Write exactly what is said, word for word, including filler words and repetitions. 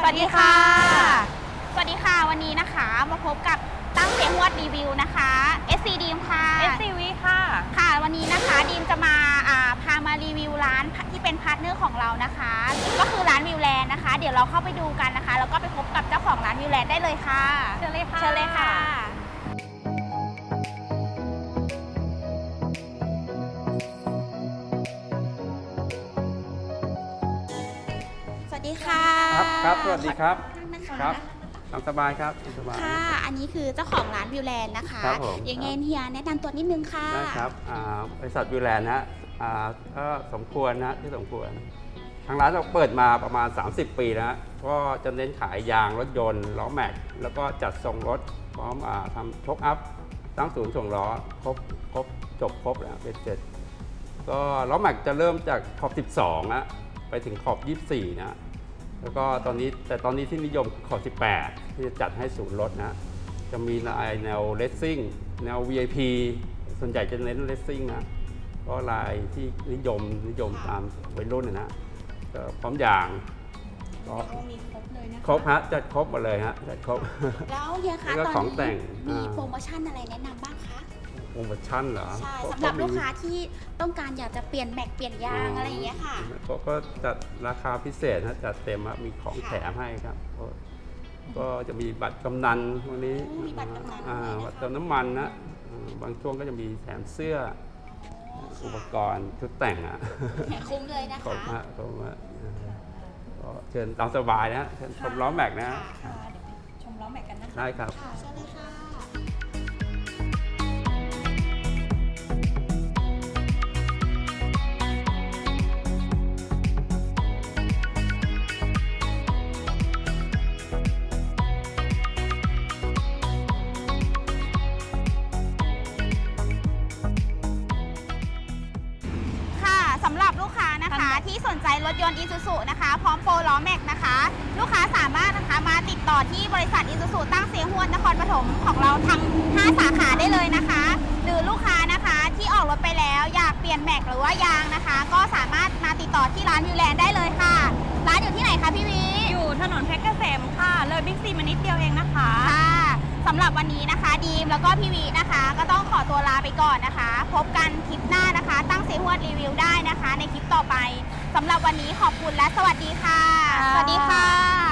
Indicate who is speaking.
Speaker 1: วัสดีค่ะสวัสดีค่ะวันนี้นะคะมาพบกับตั้งเสียงวดรีวิวนะคะ เอส ซี ดีมค่ะ
Speaker 2: เอส ซี วี ค่ะ
Speaker 1: ค่ะวันนี้นะคะดีมจะมาพามารีวิวร้านที่เป็นพาร์ทเนอร์ของเรานะคะก็คือร้านวิวแลนด์นะคะเดี๋ยวเราเข้าไปดูกันนะคะแล้วก็ไปพบกับเจ้าของร้านวิวแลนด์ได้เลยค่ะ
Speaker 2: เชิญเลยค่ะ
Speaker 1: เชิญเลยค่ะสวัสดีค่ะ
Speaker 3: ครับครับสวัสดีครับ
Speaker 1: นะคะ
Speaker 3: ครับตามสบายครับตามสบาย
Speaker 1: ค่ะอันนี้คือเจ้าของร้านวิวแลนด์นะคะ
Speaker 3: ครับผม
Speaker 1: ยังไงเฮียแนะนำตัวนิดนึงค่ะ
Speaker 3: ได้ครับบริษัทวิวแลนด์นะอ่าก็สมควรนะที่สมควรทางร้านเราเปิดมาประมาณสามสิบปีแล้วก็จะเน้นขายยางรถยนต์ล้อแม็กแล้วก็จัดส่งรถพร้อมอาทำช็อคอัพตั้งศูนย์ส่งล้อครบครบจบครบแล้วเป็นเสร็จก็ล้อแม็กจะเริ่มจากขอบสิบสองนะไปถึงขอบยี่สิบสี่นะแล้วก็ตอนนี้แต่ตอนนี้ที่นิยมขอบสิบแปดที่จะจัดให้ศูนย์รถนะจะมีลายแนวเลสซิ่งแนว วี ไอ พี ส่วนใหญ่จะเน้นเลสซิ่งนะก็ลายที่นิยมนิยมตามวัยรุ่นนะก็พร้อมอย่างก็
Speaker 1: มีครบเลยนะคะ
Speaker 3: ครบฮะจัดครบหมดเลยฮะจัดครบ
Speaker 1: แล้วเฮียคะ
Speaker 3: แล้วก็
Speaker 1: ตอน
Speaker 3: ของแต่
Speaker 1: นี้
Speaker 3: ง
Speaker 1: มี
Speaker 3: อ่า
Speaker 1: โปรโมชั่นอะไรแนะนำบ้างคะ
Speaker 3: โปรโมชั่นเหรอ
Speaker 1: ใช่
Speaker 3: ก็
Speaker 1: สำหรับ
Speaker 3: ก็มี
Speaker 1: ลูกค้าที่ต้องการอยากจะเปลี่ยนแม็กเปลี่ยนยางอะไรอย่างเงี้ยค่ะ
Speaker 3: ก็ก็จัดราคาพิเศษนะจัดเต็มอะมีของแถมให้ครับก็ก็จะมีบัตรกำนันวันนี้
Speaker 1: อืมมีบัตรกำนัน
Speaker 3: อ่า
Speaker 1: ด้วยนะคะ
Speaker 3: บัตรเติมน้ำมันนะอ่าบางช่วงก็จะมีแถมเสื้ออุปกรณ์ชุดแต่งอะ
Speaker 1: คุ้มเลยนะ
Speaker 3: ครบ
Speaker 1: คะ
Speaker 3: ฮะครบฮะก็เชิญตามสบายนะเชิญชมล้อแม็กนะ
Speaker 2: ค่ะเดี๋ยวไปชมล้อแม็กกันนะคะ
Speaker 3: ได้ครับ
Speaker 1: ค่ะเชิญเลยค่ะค่ะสำหรับลูกค้านะคะที่สนใจรถยนต์ Isuzu นะคะพร้อมโปรล้อแม็กนะคะลูกค้าสามารถนะคะมาติดต่อที่บริษัท Isuzu ตั้งเสียงหวนนครปฐมของเราทั้งห้าสาขาได้เลยนะคะ หรือลูกค้านะคะที่ออกรถไปแล้วอยากเปลี่ยนแม็กหรือว่ายางนะคะ ก็สามารถมาติดต่อที่ร้านวิวแลนด์ได้เลยค่ะร้านอยู่ที่ไหนคะพี่วี
Speaker 2: อยู่ถนนเพชรเกษมค่ะเลยบิ๊กซีมานิดเดียวเองนะคะ
Speaker 1: ค่ะสำหรับวันนี้นะคะดีมแล้วก็พี่วีนะคะ ก็ต้องขอตัวลาไปก่อนนะคะ พบกันคลิปหน้านะคะ ตั้งเสียงหวนรีวิวได้นะคะ ในคลิปต่อไปสำหรับวันนี้ขอบคุณและสวัสดีค่ะ
Speaker 2: ค่ะ
Speaker 1: สวัสดีค่ะ